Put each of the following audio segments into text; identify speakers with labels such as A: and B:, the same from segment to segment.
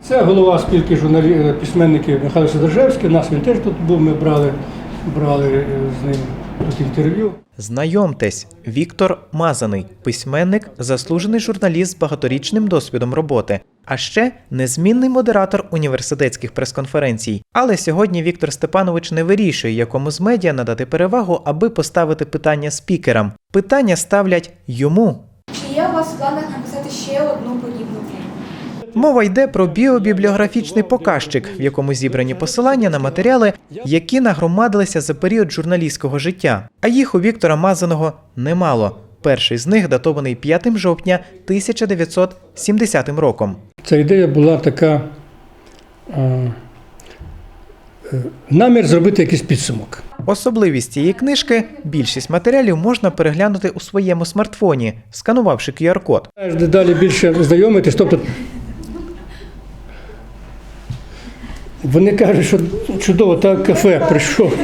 A: Це голова спілки письменників Михайло Сидоржевський. Нас він теж тут був, ми брали з ним тут інтерв'ю.
B: Знайомтесь, Віктор Мазаний, письменник, заслужений журналіст з багаторічним досвідом роботи, а ще незмінний модератор університетських прес-конференцій. Але сьогодні Віктор Степанович не вирішує, якому з медіа надати перевагу, аби поставити питання спікерам. Питання ставлять йому.
C: Чи є у вас в планах написати ще одну подібну книгу?
B: Мова йде про біобібліографічний показчик, в якому зібрані посилання на матеріали, які нагромадилися за період журналістського життя. А їх у Віктора Мазаного немало. Перший з них датований 5 жовтня 1970 роком.
A: Ця ідея була така, намір зробити якийсь підсумок.
B: Особливість цієї книжки – більшість матеріалів можна переглянути у своєму смартфоні, сканувавши QR-код.
A: Дедалі більше знайомитись, тобто вони кажуть, що чудово, так кафе прийшов.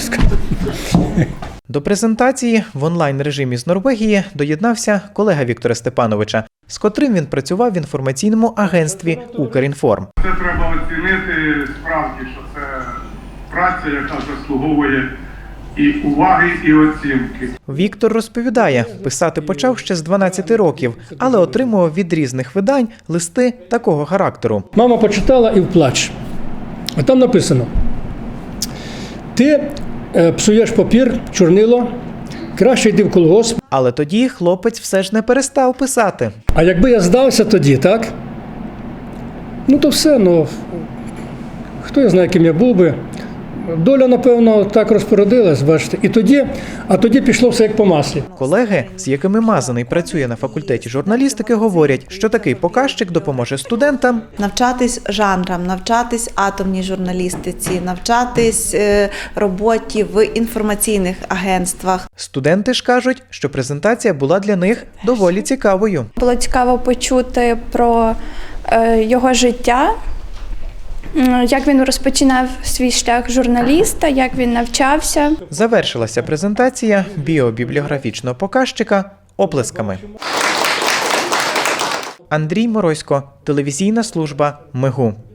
B: До презентації в онлайн-режимі з Норвегії доєднався колега Віктора Степановича, з котрим він працював в інформаційному агентстві «Укрінформ».
D: Це треба оцінити справді, що це праця, яка заслуговує і уваги, і оцінки.
B: Віктор розповідає, писати почав ще з 12 років, але отримував від різних видань листи такого характеру.
A: Мама почитала і вплач. А там написано: ти псуєш папір, чорнило, краще йди в колгосп.
B: Але тоді хлопець все ж не перестав писати.
A: А якби я здався тоді, так? Ну то все, хто я знає, ким я був би. Доля, напевно, так розпорядилась, бачите. А тоді пішло все як по маслі.
B: Колеги, з якими Мазаний працює на факультеті журналістики, говорять, що такий показчик допоможе студентам
E: навчатись жанрам, навчатись атомній журналістиці, навчатись роботі в інформаційних агентствах.
B: Студенти ж кажуть, що презентація була для них доволі цікавою.
F: Було цікаво почути про його життя, як він розпочинав свій шлях журналіста, як він навчався.
B: Завершилася презентація біобібліографічного показчика оплесками. Андрій Морозько, телевізійна служба МЕГУ.